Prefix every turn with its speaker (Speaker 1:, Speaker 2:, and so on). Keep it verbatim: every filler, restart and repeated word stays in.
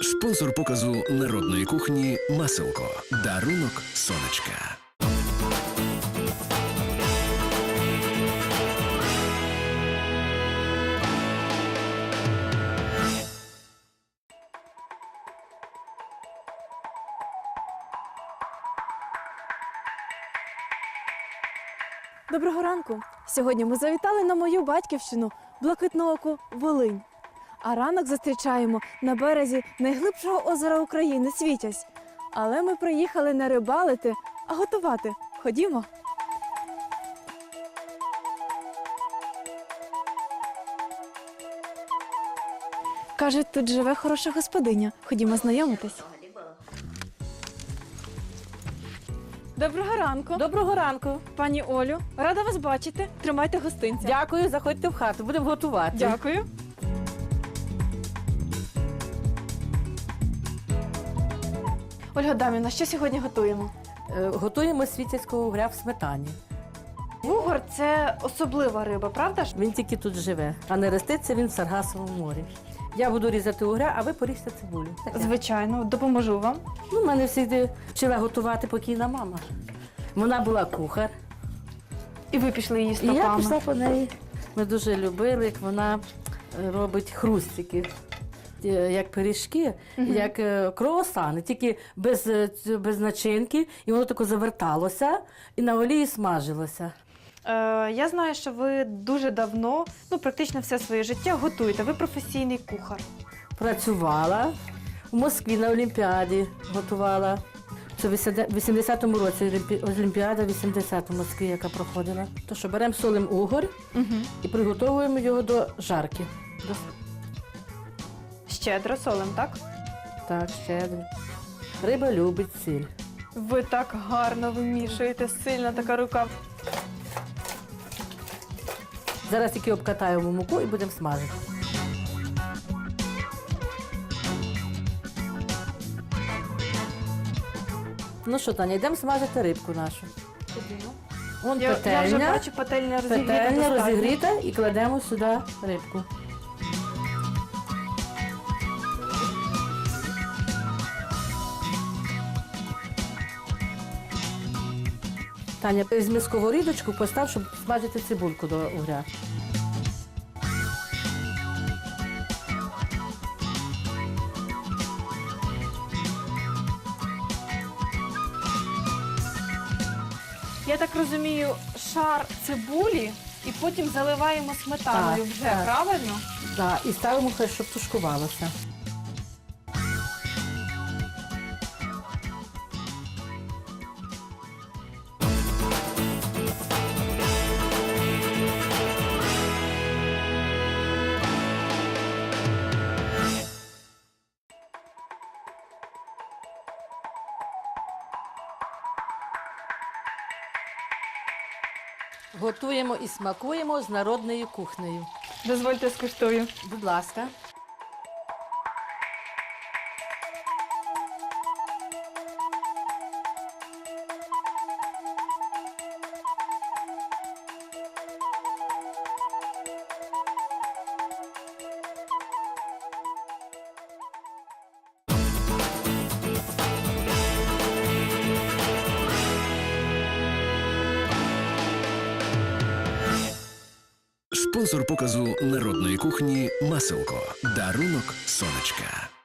Speaker 1: Спонсор показу народної кухні «Маселко». Дарунок сонечка.
Speaker 2: Доброго ранку! Сьогодні ми завітали на мою батьківщину, Блакитнооку, Волинь. А ранок зустрічаємо на березі найглибшого озера України – Світязь. Але ми приїхали не рибалити, а готувати. Ходімо! Кажуть, тут живе хороша господиня. Ходімо знайомитись. Доброго ранку!
Speaker 3: Доброго ранку.
Speaker 2: Пані Олю, рада вас бачити. Тримайте гостинця.
Speaker 3: Дякую, заходьте в хату, будемо готувати.
Speaker 2: Дякую. Ольга Дамівна, що сьогодні готуємо?
Speaker 3: Е, Готуємо світязького угря в сметані.
Speaker 2: Вугор – це особлива риба, правда ж?
Speaker 3: Він тільки тут живе, а не роститься він в Саргасовому морі. Я буду різати угря, а ви поріжте цибулю. Таке.
Speaker 2: Звичайно, допоможу вам.
Speaker 3: Ну, мене завжди вчила готувати покійна мама. Вона була кухар.
Speaker 2: І ви пішли її
Speaker 3: І я
Speaker 2: стопами.
Speaker 3: пішла по неї. Ми дуже любили, як вона е, робить хрустики. Е, Як пиріжки,
Speaker 2: Мгм.
Speaker 3: як е, круасани, тільки без, е, ць- без начинки, і воно тако заверталося і на олії смажилося.
Speaker 2: Е, я знаю, що ви дуже давно, ну практично все своє життя готуєте. Ви професійний кухар.
Speaker 3: Працювала в Москві на Олімпіаді, готувала. Це в вісімдесятому році Олімпі- Олімпіада вісімдесят у Москві, яка проходила. То що беремо солим угор
Speaker 2: Угу.
Speaker 3: і приготовуємо його до жарки. До...
Speaker 2: Щедро солим, так?
Speaker 3: Так, щедро. Риба любить сіль.
Speaker 2: Ви так гарно вимішуєте, сильна така рука.
Speaker 3: Зараз тільки обкатаємо муку і будемо смажити. Ну що, Таня, йдемо смажити рибку нашу. Вон
Speaker 2: Я, я вже
Speaker 3: петельня.
Speaker 2: бачу, пательня розігріта.
Speaker 3: Петельня
Speaker 2: достатньо.
Speaker 3: розігріта і кладемо сюди рибку. Таня, візьми сковорідочку, постав, щоб смажити цибульку до угря.
Speaker 2: Я так розумію, шар цибулі і потім заливаємо сметаною
Speaker 3: Так,
Speaker 2: вже,
Speaker 3: так.
Speaker 2: правильно?
Speaker 3: Да, і ставимо, хай, щоб тушкувалося. Готуємо і смакуємо з народною кухнею.
Speaker 2: Дозвольте скуштую.
Speaker 3: Будь ласка.
Speaker 1: Спонсор показу народної кухні «Маселко». Дарунок сонечка.